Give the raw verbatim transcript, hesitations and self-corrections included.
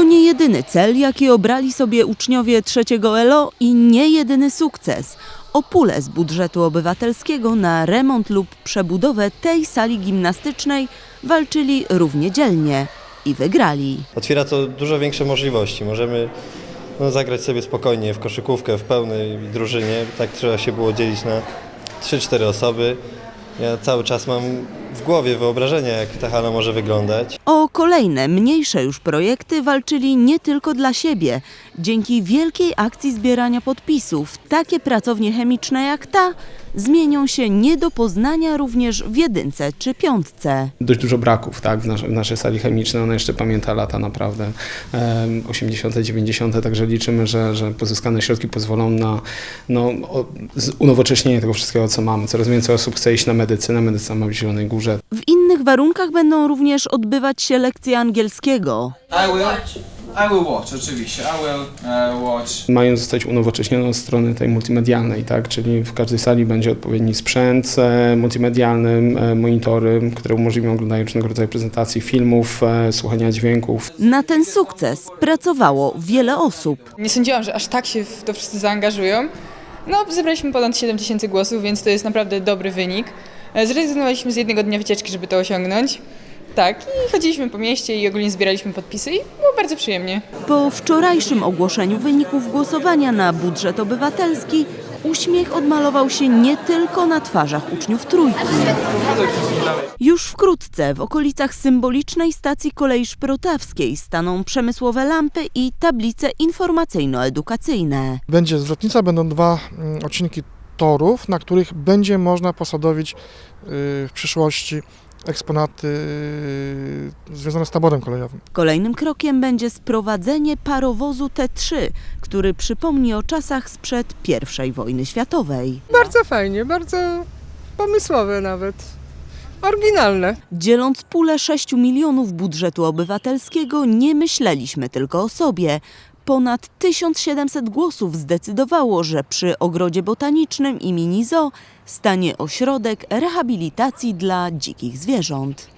nie jedyny cel, jaki obrali sobie uczniowie trzeciego L O i nie jedyny sukces. O pulę z budżetu obywatelskiego na remont lub przebudowę tej sali gimnastycznej walczyli równie dzielnie i wygrali. Otwiera to dużo większe możliwości. Możemy no, zagrać sobie spokojnie w koszykówkę w pełnej drużynie. Tak trzeba się było dzielić na trzy cztery osoby. Ja cały czas mam w głowie wyobrażenie, jak ta hala może wyglądać. O kolejne, mniejsze już projekty walczyli nie tylko dla siebie. Dzięki wielkiej akcji zbierania podpisów, takie pracownie chemiczne jak ta zmienią się nie do poznania również w jedynce czy piątce. Dość dużo braków, tak, w, nas w naszej sali chemicznej. Ona jeszcze pamięta lata naprawdę um, osiemdziesiąte, dziewięćdziesiąte, także liczymy, że, że pozyskane środki pozwolą na no, o, unowocześnienie tego wszystkiego, co mamy. Coraz więcej osób chce iść na medycynę, medycyna ma w Zielonej Górze. W innych warunkach będą również odbywać się lekcje angielskiego. I will, I will watch, oczywiście, I will uh, watch. Mają zostać unowocześnione od strony tej multimedialnej, tak, czyli w każdej sali będzie odpowiedni sprzęt e, multimedialny, e, monitory, które umożliwią oglądanie różnego rodzaju prezentacji, filmów, e, słuchania dźwięków. Na ten sukces pracowało wiele osób. Nie sądziłam, że aż tak się w to wszyscy zaangażują. No, zebraliśmy ponad siedem tysięcy głosów, więc to jest naprawdę dobry wynik. Zrezygnowaliśmy z jednego dnia wycieczki, żeby to osiągnąć. Tak, i chodziliśmy po mieście i ogólnie zbieraliśmy podpisy i było bardzo przyjemnie. Po wczorajszym ogłoszeniu wyników głosowania na budżet obywatelski uśmiech odmalował się nie tylko na twarzach uczniów trójki. Już wkrótce w okolicach symbolicznej stacji kolei szprotawskiej staną przemysłowe lampy i tablice informacyjno-edukacyjne. Będzie zwrotnica, będą dwa odcinki torów, na których będzie można posadowić w przyszłości eksponaty związane z taborem kolejowym. Kolejnym krokiem będzie sprowadzenie parowozu T trzy, który przypomni o czasach sprzed pierwszej wojny światowej. Bardzo fajnie, bardzo pomysłowe nawet, oryginalne. Dzieląc pulę sześciu milionów budżetu obywatelskiego, nie myśleliśmy tylko o sobie. Ponad tysiąc siedemset głosów zdecydowało, że przy Ogrodzie Botanicznym i mini zoo stanie ośrodek rehabilitacji dla dzikich zwierząt.